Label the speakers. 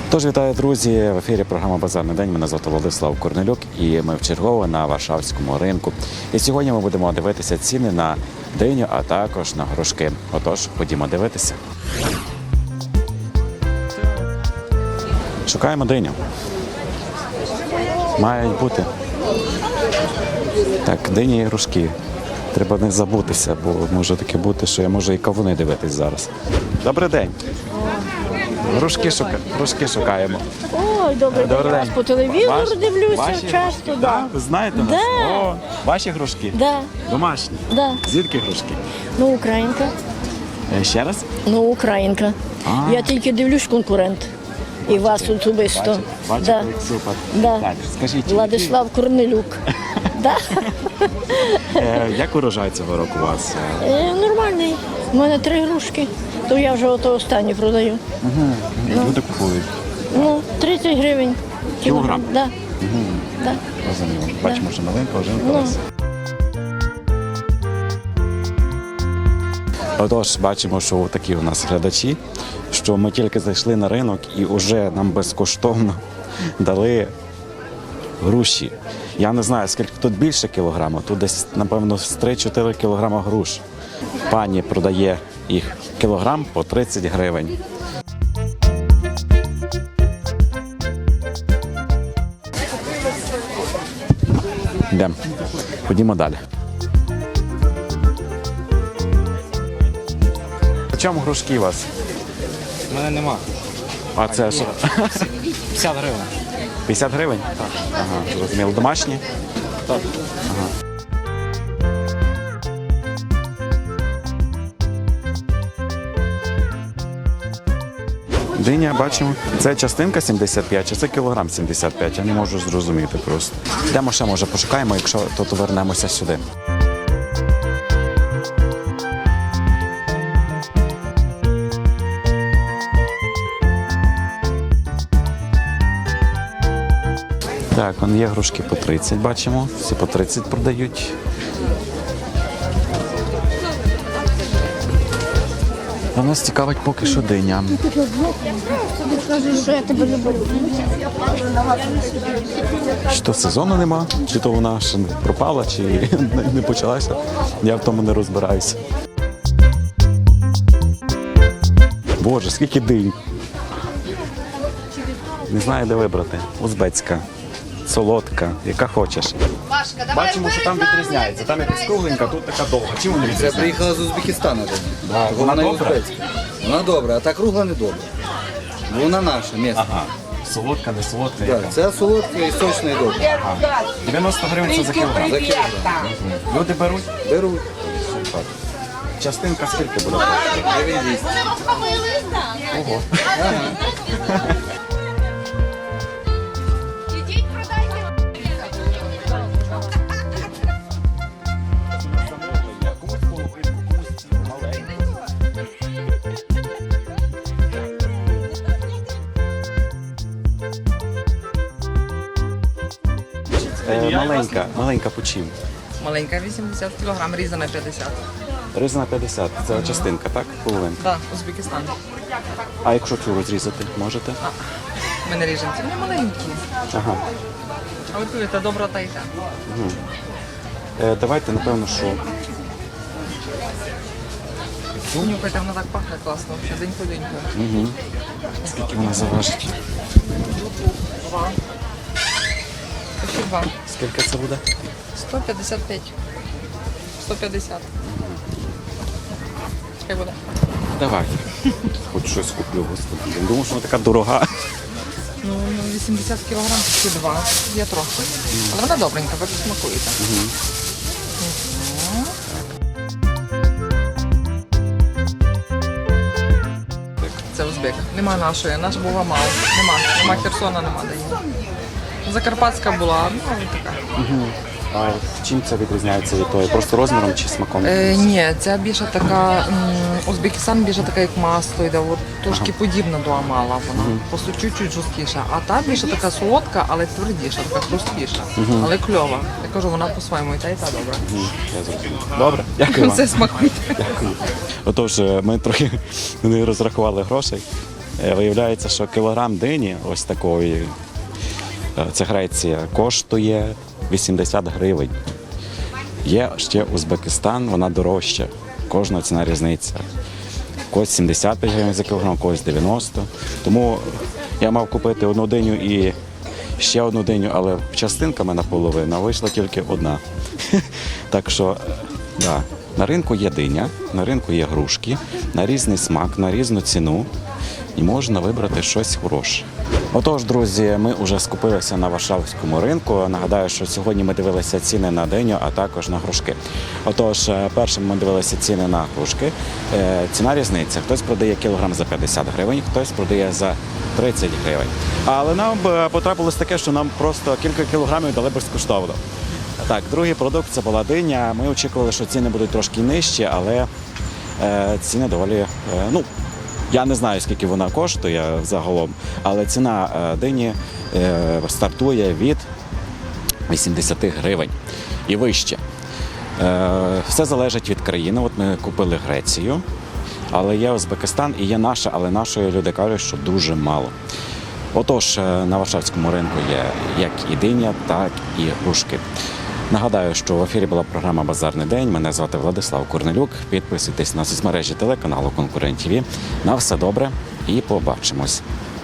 Speaker 1: Тож, вітаю, друзі! В ефірі програма «Базарний день». Мене звати Владислав Корнелюк і ми вчергово на Варшавському ринку. І сьогодні ми будемо дивитися ціни на диню, а також на грушки. Отож, ходімо дивитися. Шукаємо диню. Мають бути. Так, дині і грушки. Треба не забутися, бо може таке бути, що я можу і кавуни дивитись зараз. Добрий день! Грушки шукаємо.
Speaker 2: Ой, добрий день. Я вас по телевізору дивлюся часто.
Speaker 1: Да. Ви знаєте нас?
Speaker 2: Да.
Speaker 1: О, ваші грушки?
Speaker 2: Да.
Speaker 1: Домашні?
Speaker 2: Да.
Speaker 1: Звідки грушки?
Speaker 2: Ну, українка.
Speaker 1: Ще раз?
Speaker 2: Ну, українка. Я тільки дивлюсь конкурент. І вас особисто.
Speaker 1: Бачите,
Speaker 2: Да.
Speaker 1: як супер.
Speaker 2: Да.
Speaker 1: Так, скажіть,
Speaker 2: Владислав Корнелюк. Да.
Speaker 1: як урожай цього року у вас?
Speaker 2: Нормальний. У мене 3 грушки, то я вже ото останню продаю.
Speaker 1: Люди купують.
Speaker 2: Ну, 30 гривень.
Speaker 1: Кілограм?
Speaker 2: Да. Да.
Speaker 1: Розуміло. Бачимо, що новинка вже
Speaker 2: Ну.
Speaker 1: готувалася. Отож, бачимо, що такі у нас глядачі, що ми тільки зайшли на ринок і вже нам безкоштовно дали груші. Я не знаю, скільки тут більше кілограма, тут десь, напевно, з 3-4 кілограма груш. Пані продає їх кілограм по 30 гривень. Йдемо. Ходімо далі. По чому грушки у вас?
Speaker 3: У мене нема.
Speaker 1: А це що?
Speaker 3: 50 гривень.
Speaker 1: 50 гривень? Так. Ага, зрозуміло. Домашні?
Speaker 3: Так.
Speaker 1: Ага. Диня, бачимо. Це частинка 75, чи це кілограм 75? Я не можу зрозуміти просто. Йдемо ще, може, пошукаємо, якщо то вернемося сюди. Так, вон є грушки по 30, бачимо. Всі по 30 продають. А нас цікавить поки що диня. Чи то сезону нема, чи то вона ще не пропала, чи не почалася. Я в тому не розбираюся. Боже, скільки динь. Не знаю, де вибрати. Узбецька, солодка, яка хочеш. Бачимо, що там відрізняється. Там якась кругленька, тут така довга. Чим вони
Speaker 4: Це
Speaker 1: відрізняються?
Speaker 4: приїхала з Узбекистану.
Speaker 1: Да, вона добра?
Speaker 4: узбецька. Вона добра, а та кругла не добра. Вона наша, місна.
Speaker 1: Ага. Солодка, не солодка,
Speaker 4: Так,
Speaker 1: яка?
Speaker 4: це солодка і сочна і добра.
Speaker 1: 90 гривень це за кілограм.
Speaker 4: За кілограм.
Speaker 1: Люди беруть.
Speaker 4: Беруть.
Speaker 1: Частинка скільки буде?
Speaker 4: Гривень 200.
Speaker 1: Ого.
Speaker 5: Ідіть, продайте.
Speaker 1: Маленька по чим?
Speaker 6: Маленька 80 кг, різана 50.
Speaker 1: Різана 50. Це частинка, так? Половинка.
Speaker 6: Так, Узбекистан.
Speaker 1: А якщо цю розрізати, можете?
Speaker 6: Ми не ріжемо. Це не маленькі.
Speaker 1: Ага.
Speaker 6: Але повірте, добра та йде.
Speaker 1: Давайте, напевно, що
Speaker 6: Нюхайте, вона так пахне класно. Взагалі, день по деньку.
Speaker 1: скільки вона заважить.
Speaker 6: Ще 2.
Speaker 1: Скільки це буде?
Speaker 6: 155. 150. Хай буде.
Speaker 1: Давайте. Хоч щось куплю, господи. Я думав, що вона така дорога.
Speaker 6: Ну, 80 кг, ще 2. Я трохи. Але вона добренька, ви смакуєте. Це узбек. Нема нашої, наш була мало. Нема Херсона, нема де її. Закарпатська була, ну така.
Speaker 1: А чим це відрізняється від тої? Просто розміром чи смаком?
Speaker 6: Ні, ця більше така, Узбекистан більше така, як масло йде, от трошки подібна до амала вона, просто чуть-чуть жорсткіша. А та більше така солодка, але твердіша, така хрусткіша, але кльова. Я кажу, вона по-своєму і та добра.
Speaker 1: Я зрозумів. Добре, дякую вам.
Speaker 6: Це смакуйте.
Speaker 1: Дякую. Отож, ми трохи не розрахували грошей. Виявляється, що кілограм дині ось такої, це Греція, коштує 80 гривень. Є ще Узбекистан, вона дорожча. Кожна ціна різниця. Когось 75 гривень за кілограм, когось 90. Тому я мав купити одну диню і ще одну диню, але частинками наполовину, а вийшла тільки одна. Так що, да, на ринку є диня, на ринку є грушки, на різний смак, на різну ціну. І можна вибрати щось хороше. Отож, друзі, ми вже скупилися на Варшавському ринку. Нагадаю, що сьогодні ми дивилися ціни на диню, а також на грушки. Отож, першим ми дивилися ціни на грушки. Ціна різниця. Хтось продає кілограм за 50 гривень, хтось продає за 30 гривень. Але нам потрапилось таке, що нам просто кілька кілограмів дали безкоштовно. Так, другий продукт – це була диня. Ми очікували, що ціни будуть трошки нижчі, але ціни доволі, я не знаю, скільки вона коштує загалом, але ціна дині стартує від 80 гривень і вище. Все залежить від країни. От ми купили Грецію, але є Узбекистан і є наша, але нашої люди кажуть, що дуже мало. Отож, на Варшавському ринку є як і диня, так і грушки. Нагадаю, що в ефірі була програма «Базарний день». Мене звати Владислав Корнелюк. Підписуйтесь на соцмережі телеканалу «Конкурент ТВ». На все добре і побачимось.